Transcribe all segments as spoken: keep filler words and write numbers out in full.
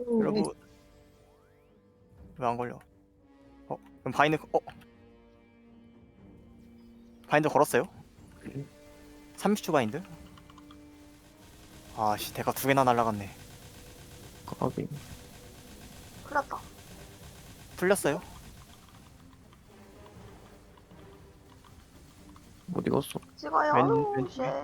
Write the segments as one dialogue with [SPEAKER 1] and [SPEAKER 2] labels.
[SPEAKER 1] 여러분 왜 안 걸려? 어 그럼 바인드 어 바인드 걸었어요? 삼십 초 바인드? 아씨 대가 두 개나 날라갔네.
[SPEAKER 2] 까비.
[SPEAKER 3] 풀렸다.
[SPEAKER 1] 풀렸어요?
[SPEAKER 2] 어디 갔어?
[SPEAKER 3] 찍어요.
[SPEAKER 1] 왼-
[SPEAKER 3] 아유,
[SPEAKER 1] 왼쪽에?
[SPEAKER 3] 쉣.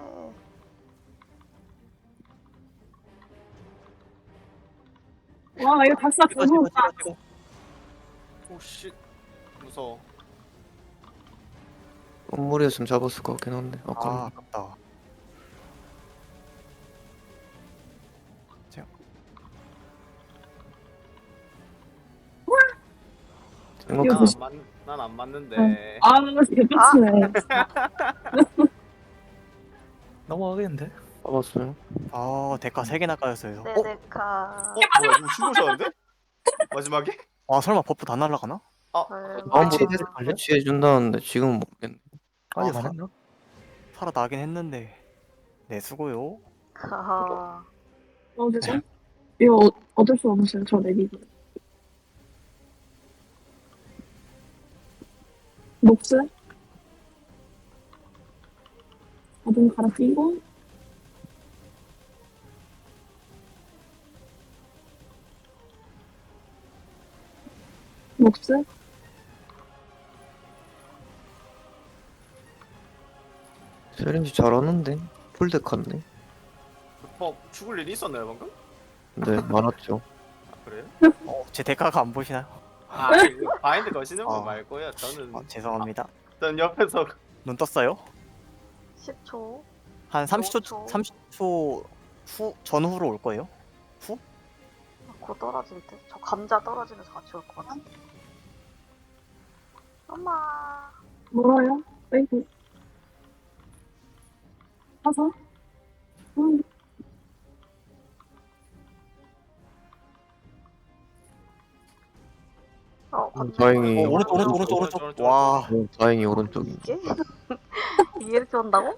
[SPEAKER 4] 와 이거 박사
[SPEAKER 1] 찍어
[SPEAKER 4] 너무
[SPEAKER 1] 찍어 찍어 찍어.
[SPEAKER 5] 오씨 무서워.
[SPEAKER 2] 건물이었으면 잡았을 것 같긴 한데.
[SPEAKER 1] 아
[SPEAKER 2] 아까
[SPEAKER 1] 아깝다.
[SPEAKER 2] 생각
[SPEAKER 4] 이거 무슨-
[SPEAKER 5] 난안 안 맞는데.
[SPEAKER 4] 아 개빡치네.
[SPEAKER 6] 넘어가겠는데?
[SPEAKER 2] 잡았어요.
[SPEAKER 1] 아 대가 세 개나 까였어요. 어?
[SPEAKER 3] 네데카.
[SPEAKER 5] 어 뭐야 누구 죽으셨는데? 마지막에?
[SPEAKER 1] 아 설마 버프 다 날라가나?
[SPEAKER 3] 설마.
[SPEAKER 2] 다음부터
[SPEAKER 6] 갈래?
[SPEAKER 2] 배치해 준다는데 지금은 모르겠네.
[SPEAKER 6] 아직
[SPEAKER 1] 아,
[SPEAKER 6] 안 했나?
[SPEAKER 1] 살아나긴 했는데. 네 수고요.
[SPEAKER 3] 하하.
[SPEAKER 4] 어 되죠? 이거 어, 어쩔 수 없어요. 저 내기고. 녹스. 어둠 갈아 끼고. 녹스.
[SPEAKER 2] 세린지 잘하는데 풀덱 같네.
[SPEAKER 5] 어 죽을 일이 있었나요 방금?
[SPEAKER 2] 근데 많았죠.
[SPEAKER 5] 아 그래요?
[SPEAKER 1] 어, 제 대가가 안 보시나요?
[SPEAKER 5] 아 이거 바인드 거시는 분
[SPEAKER 1] 아.
[SPEAKER 5] 말고요. 저는
[SPEAKER 1] 아, 죄송합니다.
[SPEAKER 5] 전 옆에서
[SPEAKER 1] 눈 떴어요?
[SPEAKER 3] 십 초.
[SPEAKER 1] 한 삼십 초
[SPEAKER 3] 오 초.
[SPEAKER 1] 삼십 초 후 전후로 올 거예요.
[SPEAKER 3] 곧 떨어질 때. 저 감자 떨어지면서 같이 올 것 같아. 엄마.
[SPEAKER 4] 멀어요. 빼고. 사서. 음.
[SPEAKER 3] 어,
[SPEAKER 2] 음,
[SPEAKER 3] 건너.
[SPEAKER 2] 다행히.
[SPEAKER 1] 어, 오른쪽 오른쪽 오른쪽
[SPEAKER 5] 오른쪽,
[SPEAKER 1] 오른쪽.
[SPEAKER 5] 오른쪽,
[SPEAKER 1] 와
[SPEAKER 2] 어, 다행히 오른쪽이.
[SPEAKER 3] 이게? 이게 이렇게 온다고?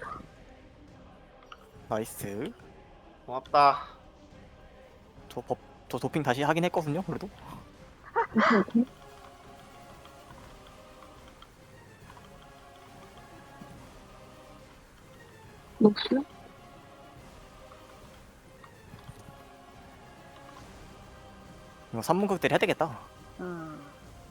[SPEAKER 1] 나이스.
[SPEAKER 5] 고맙다.
[SPEAKER 1] 저 법, 저 도핑 다시 하긴 했거든요. 그래도
[SPEAKER 4] 오케이 오케이. 녹스.
[SPEAKER 1] 이거 삼 분 극대를 해야 되겠다.
[SPEAKER 3] 음.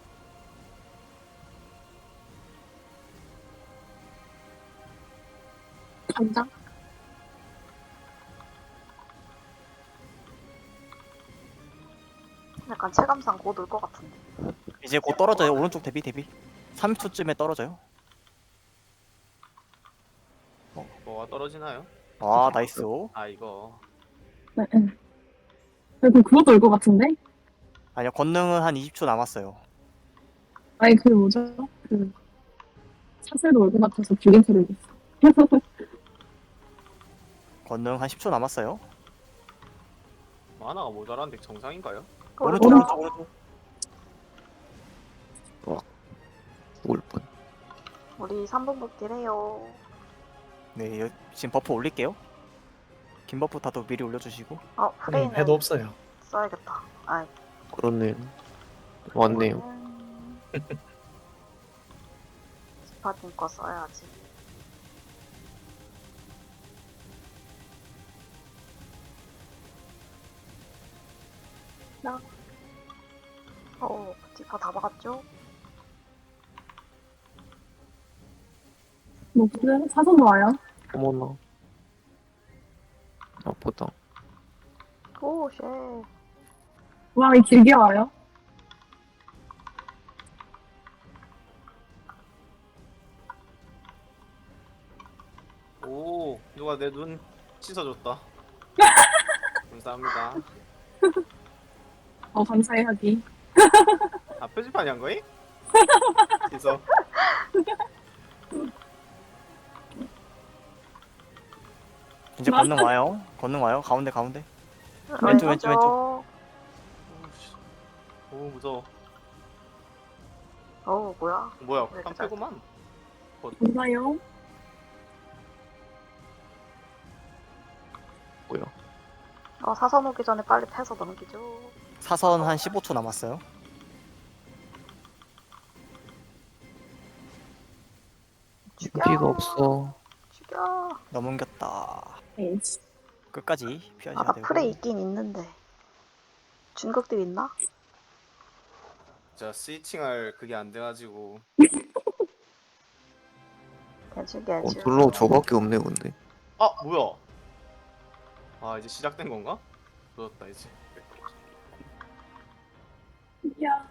[SPEAKER 4] 감자.
[SPEAKER 3] 약간 체감상 곧 올 것 같은데.
[SPEAKER 1] 이제 곧 떨어져요. 오른쪽 대비 대비. 삼십 초쯤에 떨어져요.
[SPEAKER 5] 뭐가 떨어지나요?
[SPEAKER 1] 아 나이스.
[SPEAKER 5] 아 이거
[SPEAKER 4] 네. 네. 그럼 그것도 올 것 같은데?
[SPEAKER 1] 아니요 권능은 한 이십 초 남았어요.
[SPEAKER 4] 아니 그 뭐죠? 그 사슬도 올 것 같아서 불긴 소리를 했어.
[SPEAKER 1] 권능 한 십 초 남았어요.
[SPEAKER 5] 만화가 모자란데 정상인가요?
[SPEAKER 1] 오른쪽
[SPEAKER 4] 오른쪽.
[SPEAKER 1] 오른쪽 오른쪽.
[SPEAKER 2] 죽을 뻔.
[SPEAKER 3] 우리 삼 분 복귀래요.
[SPEAKER 1] 네 여- 지금 버프 올릴게요. 긴 버프 다도 미리 올려주시고.
[SPEAKER 3] 어,
[SPEAKER 6] 음,
[SPEAKER 3] 프레이는
[SPEAKER 6] 해도 없어요.
[SPEAKER 3] 써야겠다. 아이.
[SPEAKER 2] 그렇네요. 왔네요.
[SPEAKER 3] 음. 스파팅 거 써야지. 나. 어, 디파 다 박았죠?
[SPEAKER 4] 녹스. 사선도 와요.
[SPEAKER 2] 어머나. 아프다.
[SPEAKER 3] 오, 쉣.
[SPEAKER 4] 와, 이 길게 와요.
[SPEAKER 5] 오 누가 내 눈 씻어줬다. 감사합니다.
[SPEAKER 4] 어, 감사해야지.
[SPEAKER 5] 아 표지판이 한 거임? 씻어.
[SPEAKER 1] 이제 권능 와요. 권능 와요. 가운데 가운데. 왼쪽, 왼쪽, 왼쪽.
[SPEAKER 3] 왼쪽.
[SPEAKER 5] 오씨. 오 무서워.
[SPEAKER 3] 어우, 뭐야.
[SPEAKER 5] 뭐야
[SPEAKER 3] 왜 이렇게
[SPEAKER 5] 깜패구만.
[SPEAKER 4] 감사해요.
[SPEAKER 2] 뭐야?
[SPEAKER 3] 어, 사선 오기 전에 빨리 패서 넘기죠.
[SPEAKER 1] 사선 한 십오 초 남았어요.
[SPEAKER 3] 죽여.
[SPEAKER 2] 피가 없어.
[SPEAKER 3] 죽여.
[SPEAKER 1] 넘겼다.
[SPEAKER 4] 에이씨.
[SPEAKER 1] 끝까지
[SPEAKER 3] 아,
[SPEAKER 1] 피하셔야
[SPEAKER 3] 나
[SPEAKER 1] 되고.
[SPEAKER 3] 프레이 있긴 있는데. 중극딜 있나?
[SPEAKER 5] 제가 스위칭할 그게 안 돼가지고.
[SPEAKER 3] 개주
[SPEAKER 2] 어,
[SPEAKER 3] 개주.
[SPEAKER 2] 별로 저밖에 없네 근데.
[SPEAKER 5] 아 뭐야? 아 이제 시작된 건가? 늦었다 이제.
[SPEAKER 4] 야.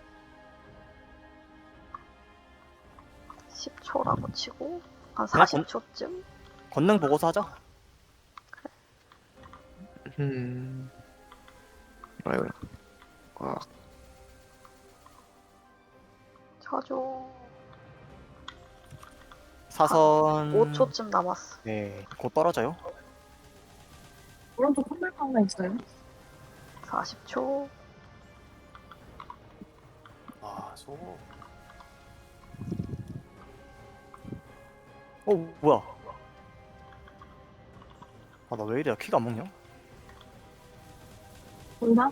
[SPEAKER 3] 십 초라고 치고 한
[SPEAKER 1] 그냥
[SPEAKER 3] 사십 초쯤?
[SPEAKER 1] 권능 보고서 하자.
[SPEAKER 2] 음. 아유. 아,
[SPEAKER 3] 쳐줘.
[SPEAKER 1] 사선
[SPEAKER 3] 오 초쯤 남았어.
[SPEAKER 1] 네, 곧 떨어져요.
[SPEAKER 4] 오른쪽 컴백가 하나 있어요.
[SPEAKER 3] 사십 초.
[SPEAKER 5] 아 저거.
[SPEAKER 1] 어 뭐야? 아 나 왜 이래? 키가 안 먹냐?
[SPEAKER 4] 본다?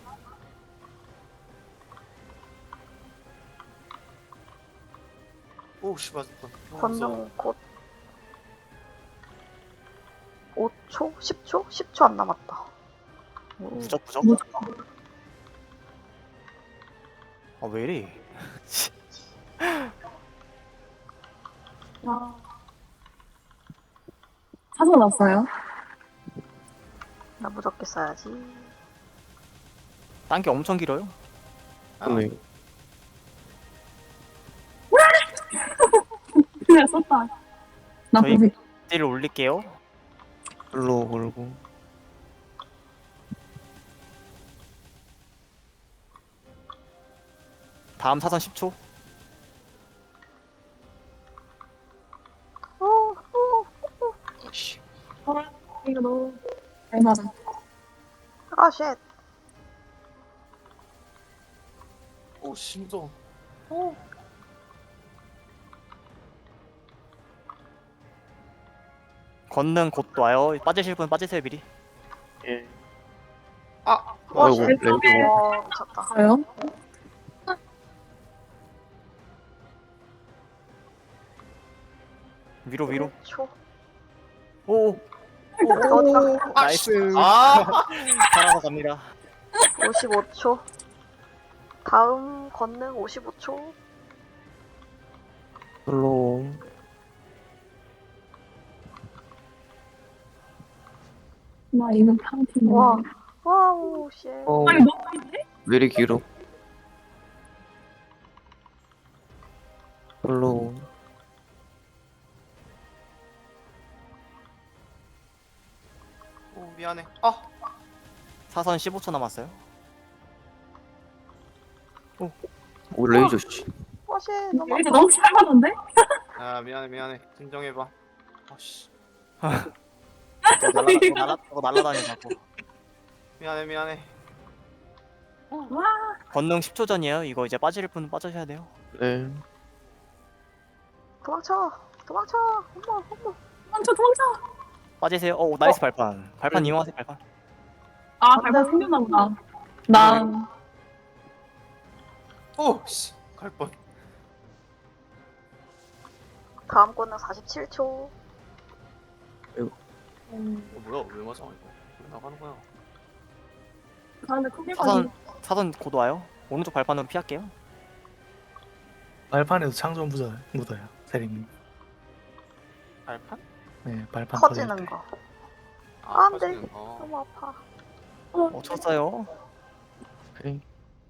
[SPEAKER 5] 오씨 맞았다.
[SPEAKER 3] 권능 곧. 오 초? 십 초? 십 초 안 남았다. 오.
[SPEAKER 1] 무적 무적.
[SPEAKER 4] 무적.
[SPEAKER 1] 아 왜 이래?
[SPEAKER 4] 아. 사선 왔어요.
[SPEAKER 3] 나 무섭게 써야지.
[SPEAKER 1] 딴 게 엄청 길어요.
[SPEAKER 2] 근데
[SPEAKER 4] 그냥 썼다. 나
[SPEAKER 1] 저희-
[SPEAKER 4] 보지.
[SPEAKER 1] 딜을 올릴게요.
[SPEAKER 2] 별로 걸고.
[SPEAKER 1] 다음 사선 십 초.
[SPEAKER 3] 오, 오.
[SPEAKER 2] 씨.
[SPEAKER 4] 어, 이거 너무 잘 맞아.
[SPEAKER 3] 아, 쉣.
[SPEAKER 5] 오 심정.
[SPEAKER 1] 권능 곧 와요. 빠지실 분 빠지세요 미리.
[SPEAKER 2] 예.
[SPEAKER 5] 아
[SPEAKER 3] 와,
[SPEAKER 2] 아이고
[SPEAKER 3] 쉣.
[SPEAKER 2] 렌즈.
[SPEAKER 3] 와, 미쳤다.
[SPEAKER 4] 있어요?
[SPEAKER 1] 위로 위로.
[SPEAKER 3] 일 초.
[SPEAKER 1] 오.
[SPEAKER 3] 어디가?
[SPEAKER 1] 나이스.
[SPEAKER 5] 아
[SPEAKER 1] 살아서 갑니다.
[SPEAKER 3] 오십오 초. 다음 권능 오십오 초.
[SPEAKER 2] 별로.
[SPEAKER 4] 나 이거 파운틴.
[SPEAKER 3] 와. 와우, 쉣.
[SPEAKER 2] 어,
[SPEAKER 4] 아니 너무
[SPEAKER 2] 왜 이리 길어? 별로.
[SPEAKER 5] 오 미안해. 아
[SPEAKER 1] 사선 십오 초 남았어요.
[SPEAKER 2] 오 레이저 씨.
[SPEAKER 3] 와, 쉣. 너무
[SPEAKER 4] 이제
[SPEAKER 3] 아파.
[SPEAKER 4] 너무 잘 맞는데?
[SPEAKER 5] 아 미안해 미안해. 진정해봐. 아씨
[SPEAKER 1] 저거 날라 저거 날라 저거 날라다니고.
[SPEAKER 5] 미안해 미안해.
[SPEAKER 4] 와.
[SPEAKER 1] 권능 십 초 전이에요. 이거 이제 빠질 분 빠져셔야 돼요.
[SPEAKER 2] 네.
[SPEAKER 3] 도망쳐. 도망쳐. 엄마, 엄마.
[SPEAKER 4] 도망쳐 도망쳐.
[SPEAKER 1] 빠지세요. 어 나이스 발판. 발판 이용하세요 발판.
[SPEAKER 4] 아 발판 생겼나 보다. 나
[SPEAKER 5] 오씨 갈 뻔.
[SPEAKER 3] 다음 권능 사십칠 초.
[SPEAKER 4] 음,
[SPEAKER 5] 어, 뭐야 왜 맞아 이거? 왜 나가는 거야?
[SPEAKER 4] 가는데 컴백가
[SPEAKER 1] 사선 사선 곧 와요. 오른쪽 발판으로 피할게요.
[SPEAKER 6] 발판에도 창조 묻어요. 묻어요. 세림님.
[SPEAKER 5] 발판?
[SPEAKER 6] 네, 발판
[SPEAKER 3] 터지는
[SPEAKER 6] 터질 때.
[SPEAKER 3] 거.
[SPEAKER 5] 아
[SPEAKER 3] 안 돼.
[SPEAKER 5] 터지는 거.
[SPEAKER 3] 너무 아파.
[SPEAKER 1] 어 쳤어요.
[SPEAKER 2] 오케이.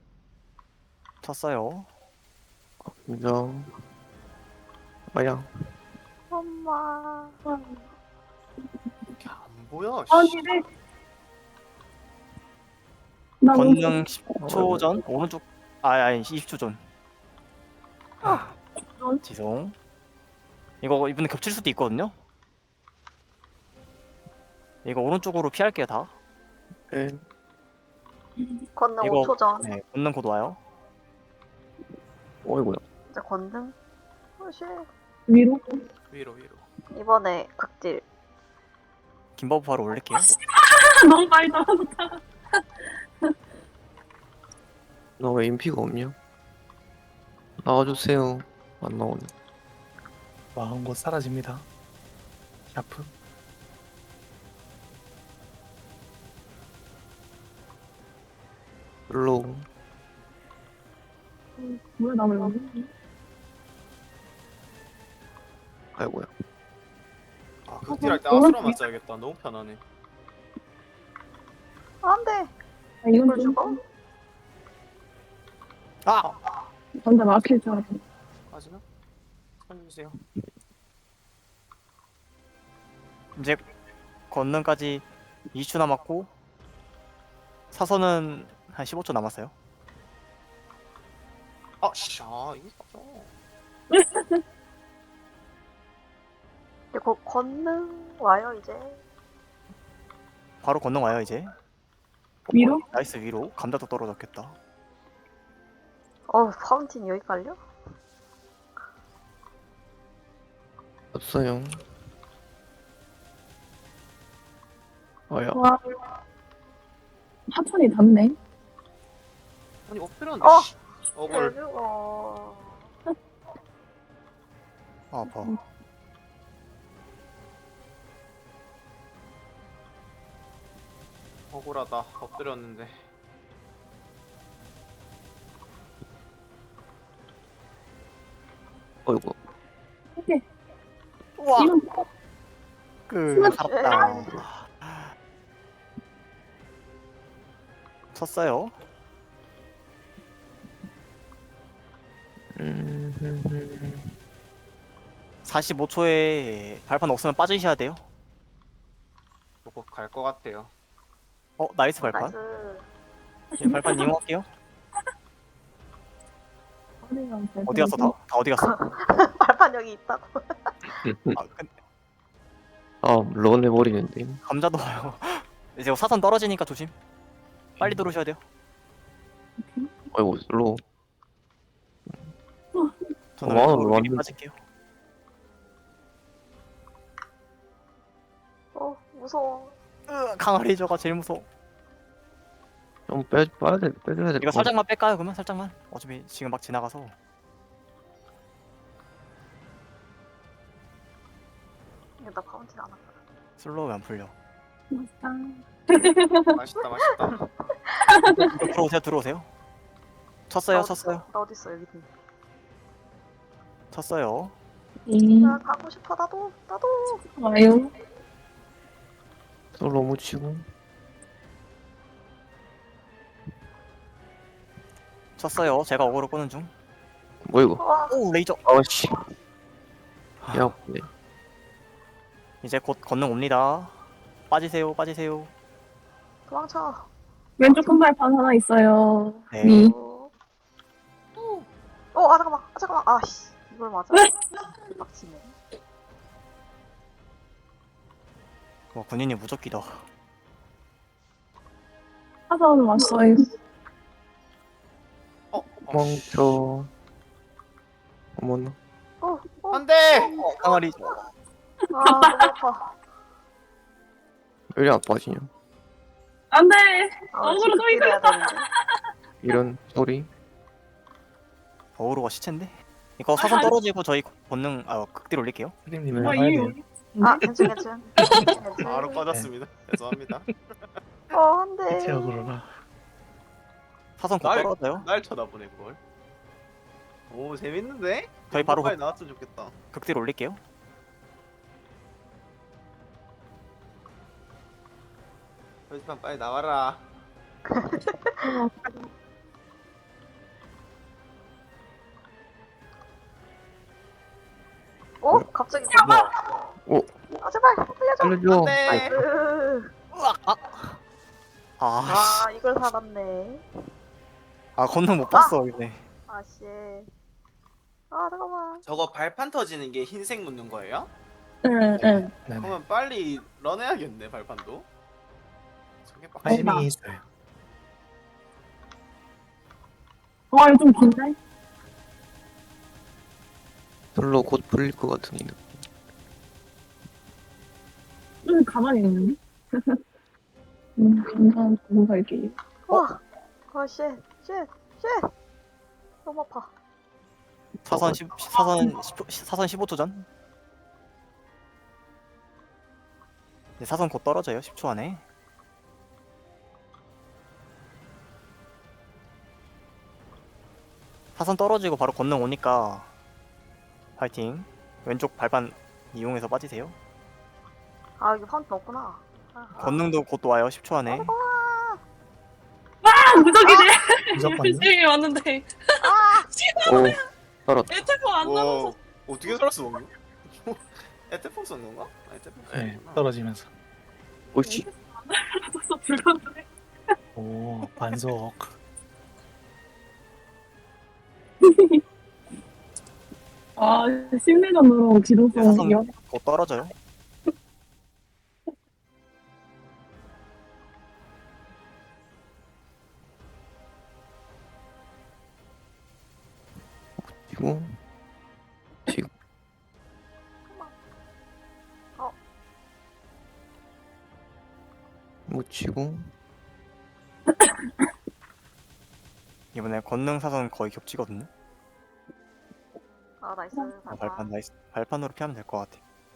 [SPEAKER 1] 쳤어요.
[SPEAKER 2] 인정. 아야.
[SPEAKER 3] 엄마.
[SPEAKER 5] 이게 안 보여. 씨.
[SPEAKER 4] 아니 네. 나
[SPEAKER 1] 권능 십 초 전 오른쪽 아 아니 이십 초 전.
[SPEAKER 4] 전?
[SPEAKER 1] 지송. 이거 이번에 겹칠 수도 있거든요. 이거 오른쪽으로 피할게요 다.
[SPEAKER 2] 네.
[SPEAKER 3] 권능
[SPEAKER 1] 이거-
[SPEAKER 3] 오 초 전.
[SPEAKER 1] 네, 권능 곧 와요.
[SPEAKER 2] 어이구야.
[SPEAKER 3] 이제 권능. 오, 쉣.
[SPEAKER 4] 위로.
[SPEAKER 5] 위로 위로.
[SPEAKER 3] 이번에 극딜.
[SPEAKER 1] 김버프 바로 올릴게요.
[SPEAKER 4] 너무 많이 떨어졌다.
[SPEAKER 2] 너 왜 인피가 없냐? 나와주세요. 안 나오네.
[SPEAKER 6] 마음 곧 사라집니다. 샤프.
[SPEAKER 2] 슬로우.
[SPEAKER 4] 뭐야 나왜 여기?
[SPEAKER 2] 아이고야.
[SPEAKER 5] 아 극딜할 때
[SPEAKER 4] 어,
[SPEAKER 5] 아수라
[SPEAKER 4] 어,
[SPEAKER 5] 맞아야겠다. 너무 편하네.
[SPEAKER 3] 안돼.
[SPEAKER 4] 아 이건
[SPEAKER 3] 이걸
[SPEAKER 4] 좀
[SPEAKER 3] 죽어?
[SPEAKER 1] 아!
[SPEAKER 4] 전자 막힐 줄 알았어.
[SPEAKER 5] 빠지나? 살려주세요.
[SPEAKER 1] 이제 건능까지 이십 초 남았고 사선은 한 십오 초 남았어요.
[SPEAKER 5] 아, 씨, 아 이게 맞아.
[SPEAKER 3] 이제 곧 권능 와요 이제.
[SPEAKER 1] 바로 건능 와요 이제.
[SPEAKER 4] 위로?
[SPEAKER 1] 어, 나이스 위로. 감자도 떨어졌겠다.
[SPEAKER 3] 어 파운틴 여기 깔려?
[SPEAKER 2] 없어요. 아야.
[SPEAKER 4] 와. 하천이 닿네.
[SPEAKER 5] 아니 엎드렸는데.
[SPEAKER 3] 어!
[SPEAKER 5] 씨. 어글.
[SPEAKER 3] 왜 죽어?
[SPEAKER 1] 아, 아파.
[SPEAKER 5] 억울하다. 엎드렸는데.
[SPEAKER 2] 어이구.
[SPEAKER 1] 우와!
[SPEAKER 4] 이건
[SPEAKER 1] 그 살았다. 쳤어요.
[SPEAKER 2] 음.
[SPEAKER 1] 사십오 초에 발판 없으면 빠지셔야 돼요.
[SPEAKER 5] 이거 갈것 같아요.
[SPEAKER 1] 어, 나이스 발판.
[SPEAKER 3] 나이스.
[SPEAKER 1] 예, 발판 이용할게요. 어디 갔어 다? 다 어디 갔어?
[SPEAKER 3] 발판 여기 있다고.
[SPEAKER 1] 아, 근
[SPEAKER 2] 아, 런 해버리는데.
[SPEAKER 1] 감자도 와요. 이제 사선 떨어지니까 조심. 빨리 들어오셔야 돼요.
[SPEAKER 2] 아이고, 슬로우.
[SPEAKER 1] 저는
[SPEAKER 2] 와,
[SPEAKER 1] 왼쪽으로 미리
[SPEAKER 2] 완전-
[SPEAKER 1] 빠질게요.
[SPEAKER 3] 어 무서워.
[SPEAKER 1] 으, 강아리저가 제일 무서워.
[SPEAKER 2] 좀 빼, 빠야 돼, 빼줘야 돼.
[SPEAKER 1] 이거 살짝만 뺄까요? 그러면 살짝만. 어차피 지금 막 지나가서.
[SPEAKER 3] 이거 나 파운틴 안 한다.
[SPEAKER 1] 슬로우 안 풀려.
[SPEAKER 5] 맛있다, 맛있다.
[SPEAKER 1] 들어오세요, 들어오세요. 쳤어요,
[SPEAKER 3] 나
[SPEAKER 1] 쳤어요,
[SPEAKER 3] 어딨어? 나 어딨어 여기 있네.
[SPEAKER 1] 쳤어요.
[SPEAKER 4] 음,
[SPEAKER 3] 나 가고 싶어 나도 나도.
[SPEAKER 4] 와요.
[SPEAKER 2] 솔로 묻히고.
[SPEAKER 1] 쳤어요. 제가 어그로 끄는 중.
[SPEAKER 2] 뭐 이거?
[SPEAKER 3] 와
[SPEAKER 1] 오, 레이저.
[SPEAKER 2] 아씨. 야, 아프네.
[SPEAKER 1] 이제 곧 건능 옵니다. 빠지세요, 빠지세요.
[SPEAKER 3] 도망쳐.
[SPEAKER 4] 왼쪽 큰 발판 하나 있어요.
[SPEAKER 1] 네.
[SPEAKER 4] 위.
[SPEAKER 3] 어, 어, 아 잠깐만, 아 잠깐만, 아씨, 이걸 맞아? 막치네.
[SPEAKER 1] 와, 군인이 무적기다.
[SPEAKER 4] 하선 왔어요.
[SPEAKER 5] 어, 어.
[SPEAKER 2] 멈춰. 어머나.
[SPEAKER 3] 어, 어,
[SPEAKER 5] 안 돼!
[SPEAKER 1] 강아리.
[SPEAKER 3] 아 너무 아파.
[SPEAKER 2] 왜 이리 아파지냐?
[SPEAKER 4] 안 돼!
[SPEAKER 3] 아,
[SPEAKER 4] 억울해,
[SPEAKER 3] 지금
[SPEAKER 4] 또 이거.
[SPEAKER 3] 해야 되는데.
[SPEAKER 2] 이런 소리?
[SPEAKER 1] 어그로가 시체인데? 이거 사선 떨어지고 저희 권능, 아, 극딜 올릴게요.
[SPEAKER 6] 세림님은
[SPEAKER 4] 아,
[SPEAKER 6] 와야
[SPEAKER 4] 이게
[SPEAKER 6] 돼요.
[SPEAKER 4] 여기.
[SPEAKER 3] 아 괜찮 괜찮. 괜찮.
[SPEAKER 5] 바로 꺼졌습니다. 죄송합니다.
[SPEAKER 3] 어 안돼.
[SPEAKER 6] 대체역으로라.
[SPEAKER 1] 사선 곧
[SPEAKER 5] 날-
[SPEAKER 1] 떨어져요.
[SPEAKER 5] 날 쳐다보네, 그걸. 오, 재밌는데?
[SPEAKER 1] 저희 바로
[SPEAKER 5] 빨리 나왔으면 좋겠다.
[SPEAKER 1] 극딜 올릴게요.
[SPEAKER 5] 표지판 빨리 나와라.
[SPEAKER 3] 어 갑자기 뭐야?
[SPEAKER 2] 오,
[SPEAKER 3] 아 제발 살려줘.
[SPEAKER 2] 살려줘.
[SPEAKER 5] 네.
[SPEAKER 3] 으,
[SPEAKER 1] 으악! 아! 아, 씨.
[SPEAKER 3] 아 이걸 살았네.
[SPEAKER 1] 아, 건능 못 봤어, 근데.
[SPEAKER 3] 아씨. 아 잠깐만.
[SPEAKER 5] 저거 발판 터지는 게 흰색 묻는 거예요?
[SPEAKER 4] 응, 응.
[SPEAKER 6] 네네.
[SPEAKER 5] 그러면 빨리 런해야겠네, 발판도. 저게 빡.
[SPEAKER 6] 타이밍이 있어요.
[SPEAKER 4] 와, 이거 좀 긴데?
[SPEAKER 2] 솔로 곧 풀릴 것 같은 이 느낌.
[SPEAKER 4] 응, 가만히 있는데? 음, 감사한 보고 갈게요.
[SPEAKER 3] 와. 아 쉣, 쉣, 쉣! 너무 아파.
[SPEAKER 1] 사선 십 사선 십 사선 십오 초 전. 네, 사선 곧 떨어져요. 십 초 안에. 사선 떨어지고 바로 건능 오니까 파이팅. 왼쪽 발판 이용해서 빠지세요.
[SPEAKER 3] 아 이게 파운틴 없구나. 아,
[SPEAKER 1] 건능도 곧 와요. 십 초 안에.
[SPEAKER 4] 아, 무적이네.
[SPEAKER 6] 무조건
[SPEAKER 4] 시행이 왔는데.
[SPEAKER 2] 오 살았다.
[SPEAKER 4] 에테포 안
[SPEAKER 5] 와
[SPEAKER 4] 남아서.
[SPEAKER 5] 어떻게 살았어 방금? 에테폰 쓴 건가? 아, 에테폰
[SPEAKER 6] 네,
[SPEAKER 5] 썼구나.
[SPEAKER 6] 떨어지면서.
[SPEAKER 2] 오씨.
[SPEAKER 4] 남아서 불가능해.
[SPEAKER 6] 오, 반속.
[SPEAKER 4] 아, 심리전으로 기동성
[SPEAKER 1] 사선
[SPEAKER 4] 이어.
[SPEAKER 1] 곧 떨어져요.
[SPEAKER 2] 지고 지고
[SPEAKER 3] 어.
[SPEAKER 2] 묻히고
[SPEAKER 1] 이번에 건능 사선 거의 겹치거든요.
[SPEAKER 3] 아 나이스.
[SPEAKER 1] 아, 발판 나이스. 발판으로 피하면 될 것 같아.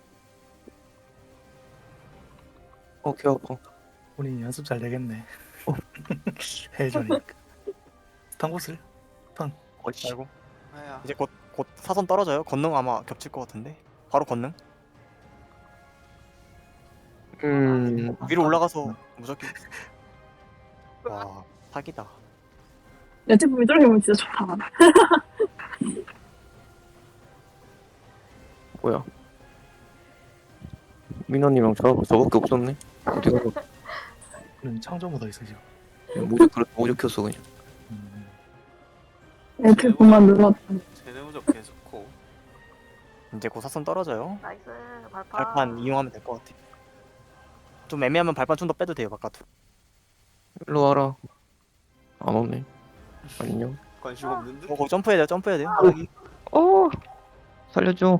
[SPEAKER 2] 어귀 아파.
[SPEAKER 6] 우리 연습 잘 되겠네. 헬전이니까. 스탄곳을
[SPEAKER 2] 어씨.
[SPEAKER 1] 아이고.
[SPEAKER 5] 아야.
[SPEAKER 1] 이제 곧 곧 사선 떨어져요. 건능 아마 겹칠 것 같은데. 바로 건능.
[SPEAKER 2] 음
[SPEAKER 1] 위로 올라가서 무적기. 와 사기다.
[SPEAKER 4] 에테포 이쪽이면 진짜 좋다.
[SPEAKER 2] 뭐야? 민호님이랑 저 저밖에 없었네. 어디 가서
[SPEAKER 6] 우리는 창조 묻어 있어 지금.
[SPEAKER 2] 모두 그렇게 모두 켰어 그냥.
[SPEAKER 6] 음,
[SPEAKER 4] 에테포만 늘었다.
[SPEAKER 5] 제네 무적 계속고.
[SPEAKER 1] 이제 곧 사선 떨어져요.
[SPEAKER 3] 나이스. 발판.
[SPEAKER 1] 발판 이용하면 될 것 같아. 좀 애매하면 발판 좀 더 빼도 돼요 바깥으로.
[SPEAKER 2] 일로 와라. 안 오네. 안녕.
[SPEAKER 5] 관심 없는 듯?
[SPEAKER 1] 어, 거기 점프해야 돼요. 점프해야 돼요.
[SPEAKER 2] 어 살려줘.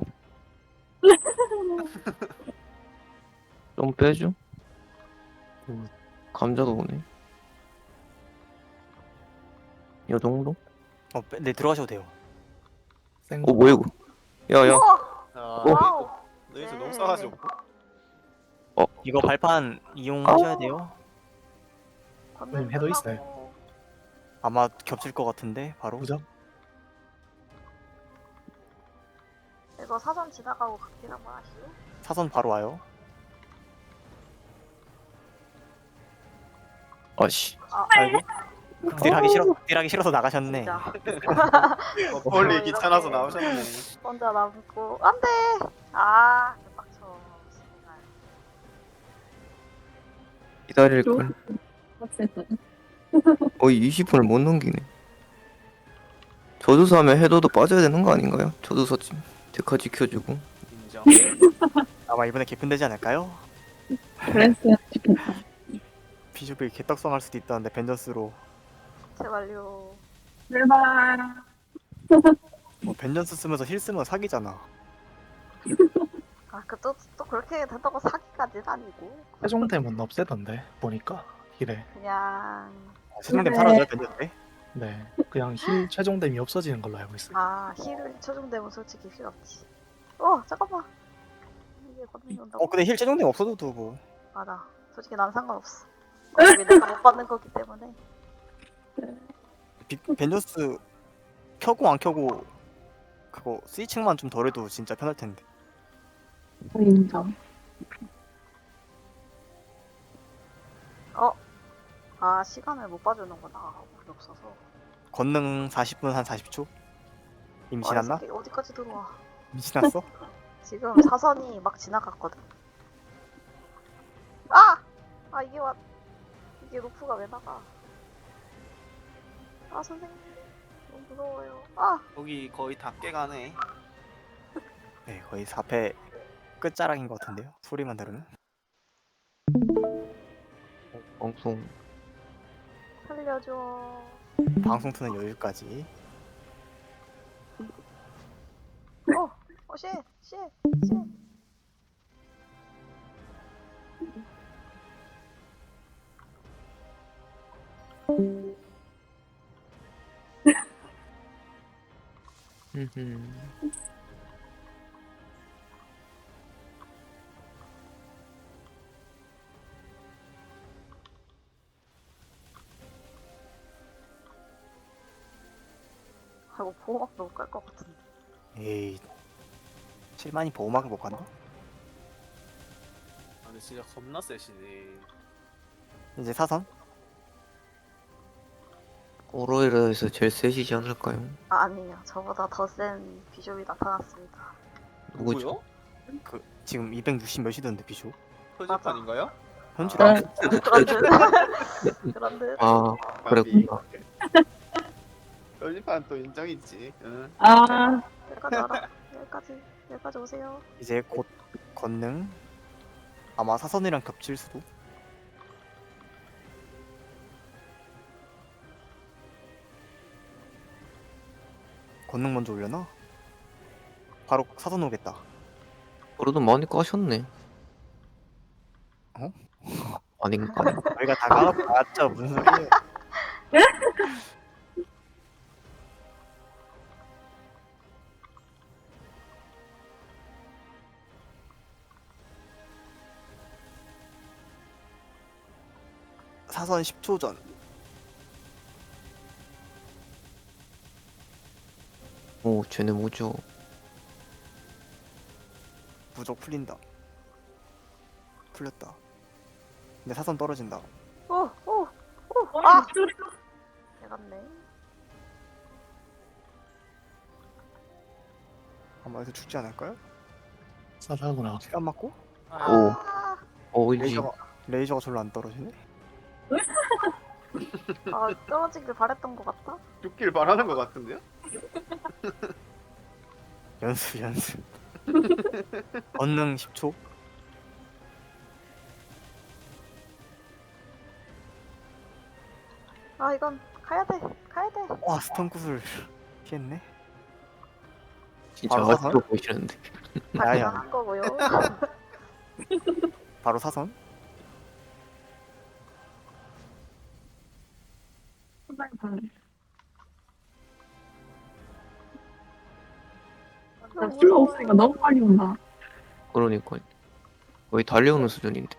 [SPEAKER 2] 좀 빼줘. 음, 감자도 오네. 요 정도?
[SPEAKER 1] 어, 빼, 네 들어가셔도 돼요.
[SPEAKER 6] 생
[SPEAKER 2] 어 뭐야 이거? 야야.
[SPEAKER 3] 우와.
[SPEAKER 5] 아
[SPEAKER 3] 와우.
[SPEAKER 5] 너희들
[SPEAKER 3] 네.
[SPEAKER 5] 너무 싸가지 없고.
[SPEAKER 1] 이거 발판 이용하셔야 돼요.
[SPEAKER 6] 음, 해도 있어요.
[SPEAKER 1] 아마 겹칠 것 같은데 바로.
[SPEAKER 6] 무적.
[SPEAKER 3] 이거 사선 지나가고 각질 한번 하시오.
[SPEAKER 1] 사선 바로 와요.
[SPEAKER 2] 아씨.
[SPEAKER 1] 아이고. 극딜하기 싫어. 극딜하기 싫어서 나가셨네.
[SPEAKER 3] 진짜.
[SPEAKER 5] 어, 멀리 귀찮아서 나오셨네.
[SPEAKER 3] 혼자 남고 안돼. 아 개빡쳐. 정말.
[SPEAKER 2] 기다릴 걸.
[SPEAKER 4] 빡셌다.
[SPEAKER 2] 거의 이십 분을 못 넘기네. 저주사 하면 해도도 빠져야 되는 거 아닌가요? 저주사 지- 데카 지켜주고.
[SPEAKER 5] 인정.
[SPEAKER 1] 아마 이번에 개편되지 않을까요?
[SPEAKER 4] 그랬어야 좋겠다.
[SPEAKER 1] 비숍이 개떡성할 수도 있다는데 벤전스로.
[SPEAKER 3] 제발요.
[SPEAKER 4] 제발.
[SPEAKER 1] 뭐 벤전스 쓰면서 힐 쓰면 사기잖아.
[SPEAKER 3] 아그또 또 그렇게 된다고 사기까지는 아니고
[SPEAKER 6] 최종템은 없애던데 보니까 힐에.
[SPEAKER 3] 그냥
[SPEAKER 1] 세종댐
[SPEAKER 4] 네.
[SPEAKER 1] 사라져요 벤전스.
[SPEAKER 6] 네, 그냥 힐 최종템이 없어지는 걸로 알고 있어요.
[SPEAKER 3] 아 힐을 최종되면 솔직히 필요 없지. 어 잠깐만. 이게 건너온다고
[SPEAKER 1] 어 근데 힐 최종댐 없어도 뭐.
[SPEAKER 3] 맞아. 솔직히 난 상관없어. 어차피 내가 못 받는 거기 때문에.
[SPEAKER 1] 비, 벤전스 켜고 안 켜고 그거 스위칭만 좀 덜해도 진짜 편할 텐데.
[SPEAKER 4] 인정.
[SPEAKER 3] 어? 아 시간을 못 봐주는구나. 우리 없어서.
[SPEAKER 1] 건능 사십 분 한 사십 초? 이미
[SPEAKER 3] 어, 이
[SPEAKER 1] 지났나?
[SPEAKER 3] 새끼 어디까지 들어와?
[SPEAKER 1] 이미 지났어?
[SPEAKER 3] 지금 사선이 막 지나갔거든. 아! 아 이게 와 이게 루프가 왜 나가? 아 선생님 너무 무서워요. 아!
[SPEAKER 5] 여기 거의 다 깨가네.
[SPEAKER 1] 네 거의 사 패 끝자락인 것 같은데요. 소리만 들으면.
[SPEAKER 2] 방송.
[SPEAKER 3] 살려줘.
[SPEAKER 1] 방송 트는 여유까지.
[SPEAKER 3] 어! 어 쉣! 쉣! 쉣!
[SPEAKER 2] 흠흠.
[SPEAKER 3] 아이고 보호막도 못 갈 것 같은데.
[SPEAKER 1] 에이 칠만이 보호막을 못 간다?
[SPEAKER 5] 아 근데 진짜 겁나 세시네.
[SPEAKER 1] 이제 사선?
[SPEAKER 2] 오로이라에서 제일 세시지 않을까요?
[SPEAKER 3] 아 아니에요. 저보다 더 센 비숍이 나타났습니다.
[SPEAKER 2] 누구죠?
[SPEAKER 5] 누구요?
[SPEAKER 1] 그 지금 이백육십 몇이던데 비쇼?
[SPEAKER 5] 표지판인가요?
[SPEAKER 1] 현질
[SPEAKER 5] 아.
[SPEAKER 1] 안
[SPEAKER 3] 그런 듯. 그런 듯.
[SPEAKER 2] 아 그랬구나.
[SPEAKER 5] 표지판 또 인정있지. 응.
[SPEAKER 4] 아,
[SPEAKER 3] 여기까지 와라. 여기까지. 여기까지 오세요.
[SPEAKER 1] 이제 곧 건능 아마 사선이랑 겹칠 수도. 건능 먼저 올려놔? 바로 사선 오겠다.
[SPEAKER 2] 그래도 많이 까셨네.
[SPEAKER 1] 어?
[SPEAKER 2] 아닌가?
[SPEAKER 1] 저희가 다 까놓고 나왔죠. 무슨 소리예요? 사선 십 초 전.
[SPEAKER 2] 오 쟤네 뭐죠?
[SPEAKER 1] 무적 풀린다. 풀렸다. 근데 사선 떨어진다.
[SPEAKER 3] 오, 오, 오.
[SPEAKER 4] 아,
[SPEAKER 3] 아, 내갔네.
[SPEAKER 1] 아마 여기서 죽지 않을까요?
[SPEAKER 6] 싸다구나.
[SPEAKER 1] 시간 맞고?
[SPEAKER 2] 오
[SPEAKER 3] 아,
[SPEAKER 2] 어이지.
[SPEAKER 1] 레이저가 레이저가 절로 안 떨어지네.
[SPEAKER 3] 아 떨어지길 바랬던 것 같다.
[SPEAKER 5] 죽길 바라는 것 같은데요?
[SPEAKER 1] 연습 연습. 건능 십 초.
[SPEAKER 3] 아 이건 가야 돼. 가야 돼.
[SPEAKER 1] 와 스턴 구슬 피했네.
[SPEAKER 2] 진짜
[SPEAKER 1] 바로
[SPEAKER 2] 아직도 보이시는데.
[SPEAKER 1] 야야.
[SPEAKER 3] 다 한 거고요.
[SPEAKER 1] 바로 사선.
[SPEAKER 4] 후발 반. 나 풀로 없으니까 너무 빨리 온다.
[SPEAKER 2] 그러니까 거의 달려오는 수준인데.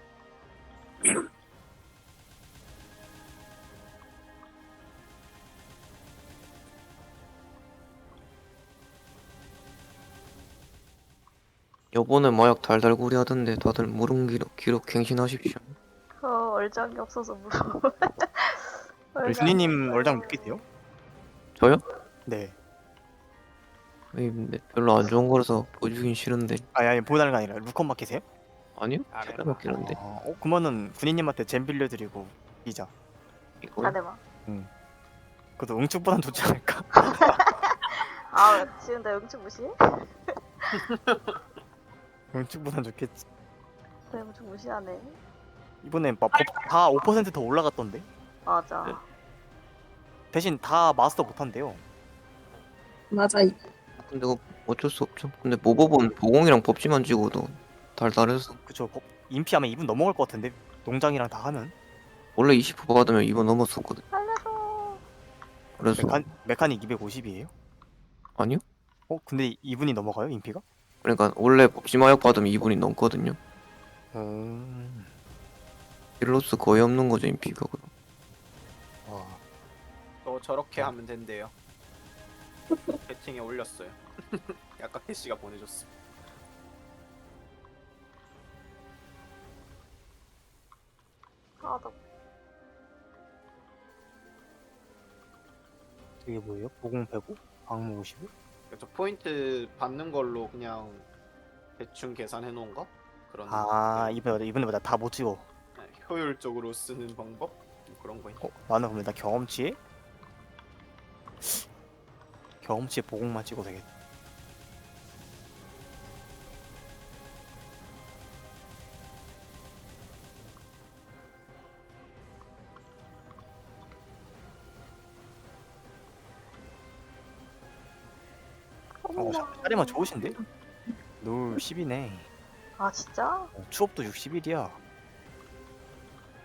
[SPEAKER 2] 요번에 마약 달달구리 하던데 다들 무릉 기록, 기록 갱신하십시오.
[SPEAKER 3] 어 얼장이 없어서 무서워. 얼장이
[SPEAKER 1] 준이님
[SPEAKER 3] 없어요.
[SPEAKER 1] 얼장 몇 개세요?
[SPEAKER 2] 저요?
[SPEAKER 1] 네.
[SPEAKER 2] 에이, 근데 별로 안 좋은 거라서 보여주긴 싫은데.
[SPEAKER 1] 아니 아니 보여달라는 게 아니라 루컨 마켓이에요?
[SPEAKER 2] 아니요?
[SPEAKER 5] 아래.
[SPEAKER 2] 제가 맡기는데.
[SPEAKER 1] 아, 어 그러면은 군인님한테 잼 빌려드리고 이자.
[SPEAKER 2] 이거
[SPEAKER 3] 잘해봐.
[SPEAKER 1] 그래도 응축보단 좋지 않을까?
[SPEAKER 3] 아 지금 내 응축 무시해?
[SPEAKER 1] 응축보단 좋겠지.
[SPEAKER 3] 내 응축 무시하네.
[SPEAKER 1] 이번엔 다오 퍼센트 더 올라갔던데.
[SPEAKER 3] 맞아.
[SPEAKER 2] 네.
[SPEAKER 1] 대신 다 마스터 못한대요.
[SPEAKER 4] 맞아. 이-
[SPEAKER 2] 근데 그거 어쩔 수 없죠. 근데 모법은 보공이랑 법지만 찍어도 달달해서
[SPEAKER 1] 그쵸. 거- 인피 하면 이 분 넘어갈 것 같은데 농장이랑 다 하면.
[SPEAKER 2] 원래 이십 퍼센트 받으면 이 번 넘었었거든.
[SPEAKER 3] 살려줘.
[SPEAKER 2] 그래서
[SPEAKER 1] 메카, 메카닉 이백오십이에요?
[SPEAKER 2] 아니요?
[SPEAKER 1] 어 근데 이분이 넘어가요 인피가?
[SPEAKER 2] 그러니까 원래 법지 마약 받으면 이 분이 넘거든요.
[SPEAKER 1] 음.
[SPEAKER 2] 딜로스 거의 없는 거죠 인피가. 그럼.
[SPEAKER 1] 와.
[SPEAKER 5] 또 저렇게 하면 된대요. 채팅에 올렸어요. 아까 캐시가 보내줬어.
[SPEAKER 3] 아 나.
[SPEAKER 1] 이게 뭐예요? 보공 빼고 방무 오십오?
[SPEAKER 5] 저 포인트 받는 걸로 그냥 대충 계산해 놓은 거? 그런
[SPEAKER 1] 아
[SPEAKER 5] 네,
[SPEAKER 1] 이번에 이번에 다 못 찍어.
[SPEAKER 5] 네, 효율적으로 쓰는 방법? 그런 거.
[SPEAKER 1] 어 나는 그러면 나 경험치에 경험치에 보공만 찍어도 되겠다. 어 샤리만 좋으신데? 놀 십이네.
[SPEAKER 3] 아 진짜?
[SPEAKER 1] 어, 추업도 육십일이야.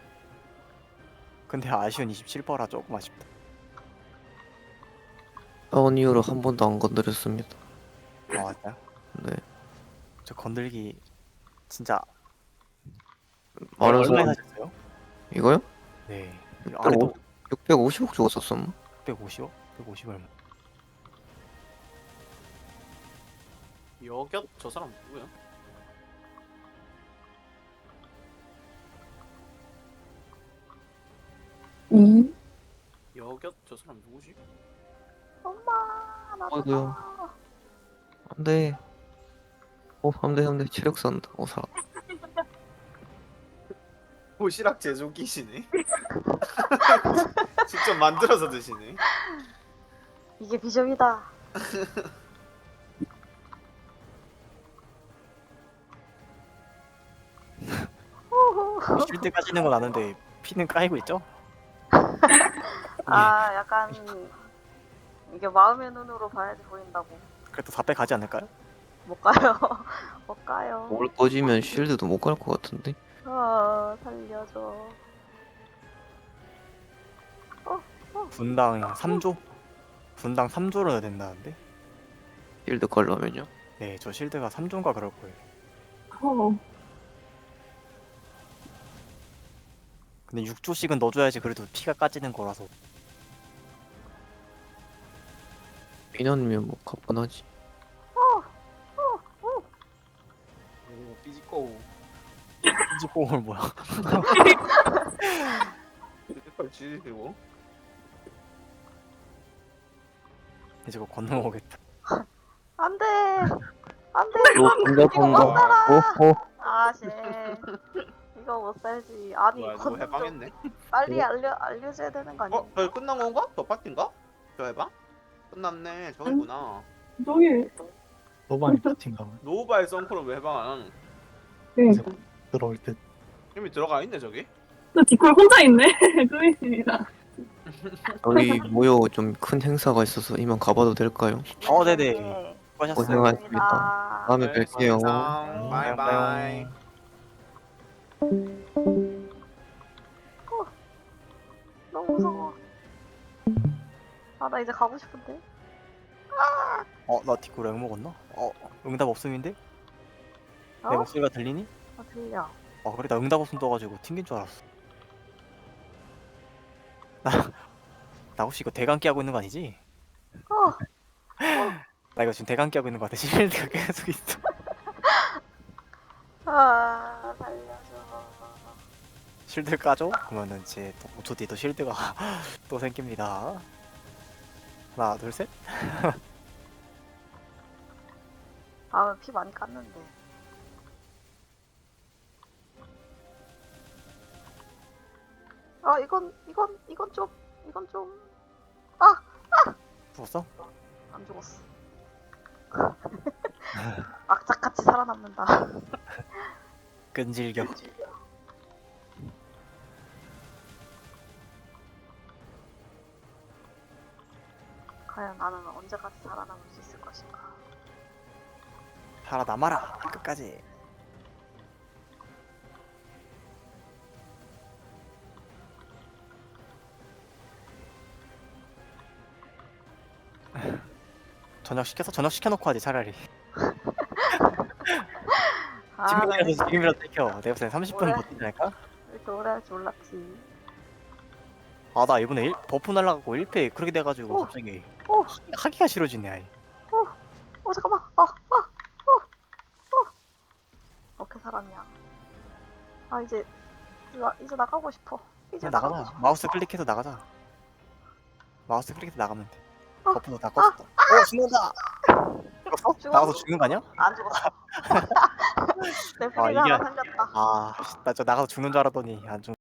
[SPEAKER 1] 근데 아쉬운 이십칠 퍼라 조금 아쉽다.
[SPEAKER 2] 싸운 이후로 한 번도 안 건드렸습니다.
[SPEAKER 1] 아 맞아요?
[SPEAKER 2] 네.
[SPEAKER 1] 저 건들기 진짜
[SPEAKER 2] 많은
[SPEAKER 1] 얼마에
[SPEAKER 2] 소원
[SPEAKER 1] 사셨어요?
[SPEAKER 2] 이거요?
[SPEAKER 1] 네. 아래도
[SPEAKER 2] 육백오십억 주고 썼었나?
[SPEAKER 1] 백오십억? 백오십 얼마?
[SPEAKER 5] 여곁 저 사람 누구야?
[SPEAKER 4] 음.
[SPEAKER 5] 여곁 저 사람 누구지?
[SPEAKER 3] 엄마 나
[SPEAKER 2] 아이고요. 안돼. 어 안돼 안돼 체력 산다. 어 살아.
[SPEAKER 5] 도시락 제조기시네. 직접 만들어서 드시네.
[SPEAKER 3] 이게 비전이다. 호호.
[SPEAKER 1] 쉴드 까지는 건 아는데 피는 까이고 있죠?
[SPEAKER 3] 아 약간 이게 마음의 눈으로 봐야지 보인다고.
[SPEAKER 1] 그래도 다 빼가지 않을까요?
[SPEAKER 3] 못 가요. 못 가요.
[SPEAKER 2] 올 꺼지면 쉴드도 못 갈 것 같은데.
[SPEAKER 3] 아 살려줘.
[SPEAKER 1] 분당 삼 조? 분당 삼 조로 넣어야 된다는데?
[SPEAKER 2] 쉴드 걸려면요.
[SPEAKER 1] 네, 저 실드가 삼 조인가 그럴 거예요.
[SPEAKER 4] 어.
[SPEAKER 1] 근데 육 조씩은 넣어줘야지 그래도 피가 까지는 거라서.
[SPEAKER 2] 인원이면 뭐 가뿐하지.
[SPEAKER 5] 오 삐지꺼우.
[SPEAKER 1] 삐지뽕을 뭐야?
[SPEAKER 5] 삐지꺼우 지지고.
[SPEAKER 1] 이제 그거 건너오겠다.
[SPEAKER 3] 안돼. 안돼.
[SPEAKER 2] 요 본다 본다. 오호.
[SPEAKER 3] 아씨. 이거 못 살지. 아니
[SPEAKER 5] 뭐야 누구
[SPEAKER 3] 건너 좀
[SPEAKER 5] 해방했네?
[SPEAKER 3] 빨리 알려 알려줘야 되는 거 아니야?
[SPEAKER 5] 어? 저기 끝난 건가? 저 파티인가? 저 해방? 끝났네. 저기구나.
[SPEAKER 4] 저기
[SPEAKER 6] 너무 파티인가 봐.
[SPEAKER 5] 노바의 선크로 왜 해방 안 하는?
[SPEAKER 4] 네.
[SPEAKER 6] 들어올 때.
[SPEAKER 5] 이미 들어가 있네 저기.
[SPEAKER 4] 저 디콜 혼자 있네. 그입니다.
[SPEAKER 2] 저희 모여 좀 큰 행사가 있어서 이만 가봐도 될까요?
[SPEAKER 1] 어, 네네.
[SPEAKER 3] 네.
[SPEAKER 1] 수고하셨어요.
[SPEAKER 2] 고생하셨습니다. 다음에
[SPEAKER 5] 네,
[SPEAKER 2] 뵐게요.
[SPEAKER 5] 수고하셨습니다. 바이바이.
[SPEAKER 3] 너무 무서워. 아 나 이제 가고 싶은데.
[SPEAKER 1] 어, 나 디코 렉 먹었나? 어, 응답 없음인데? 내
[SPEAKER 3] 어?
[SPEAKER 1] 목소리가 들리니?
[SPEAKER 3] 아 들려.
[SPEAKER 1] 아, 그래, 나 응답 없음 떠가지고 튕긴 줄 알았어. 나, 나 혹시 이거 대강기 하고 있는 거 아니지?
[SPEAKER 3] 어.
[SPEAKER 1] 나 이거 지금 대강기 하고 있는 거 같아. 실드가 계속 있어.
[SPEAKER 3] 아 살려줘.
[SPEAKER 1] 실드 까줘? 그러면은 이제 또 오 초 뒤에 또 실드가 또 생깁니다. 하나, 둘, 셋.
[SPEAKER 3] 아 피 많이 깠는데. 아 이건 이건 이건 좀 이건 좀
[SPEAKER 1] 죽었어?
[SPEAKER 3] 안 죽었어. 악착같이 살아남는다.
[SPEAKER 1] 끈질겨.
[SPEAKER 3] 과연 나는 언제까지 살아남을 수 있을 것인가.
[SPEAKER 1] 살아남아라 끝까지. 저녁 시켜서 저녁 시켜놓고 하지 차라리.
[SPEAKER 3] 아,
[SPEAKER 1] 지금이라도 지금이라도 땡겨. 내가 볼땐 삼십 분
[SPEAKER 3] 그래.
[SPEAKER 1] 버티지 않을까?
[SPEAKER 3] 이렇게 오래 할 줄 몰랐지.
[SPEAKER 1] 아 나 이번에 일, 버프 날라가고 일 패 그렇게 돼가지고
[SPEAKER 3] 어.
[SPEAKER 1] 갑자기
[SPEAKER 3] 어.
[SPEAKER 1] 하- 하기가 싫어지네 아예.
[SPEAKER 3] 어 잠깐만. 어, 어, 어, 어. 어떻게 살았냐. 아 이제 이제, 나, 이제 나가고 싶어. 이제
[SPEAKER 1] 그냥
[SPEAKER 3] 나가고
[SPEAKER 1] 나가자.
[SPEAKER 3] 싶어.
[SPEAKER 1] 마우스 클릭해서 나가자. 마우스 클릭해서 나가면 돼.
[SPEAKER 3] 어.
[SPEAKER 1] 버프도 다 껐어. 어 죽는다. 죽었어?
[SPEAKER 3] 죽었어.
[SPEAKER 1] 나가서 죽는 거 아니야?
[SPEAKER 3] 안 죽었어. 내
[SPEAKER 1] 아,
[SPEAKER 3] 프리가
[SPEAKER 1] 이게-
[SPEAKER 3] 하나 살렸다.
[SPEAKER 1] 아 나 저 나가서 죽는 줄 알았더니 안 죽.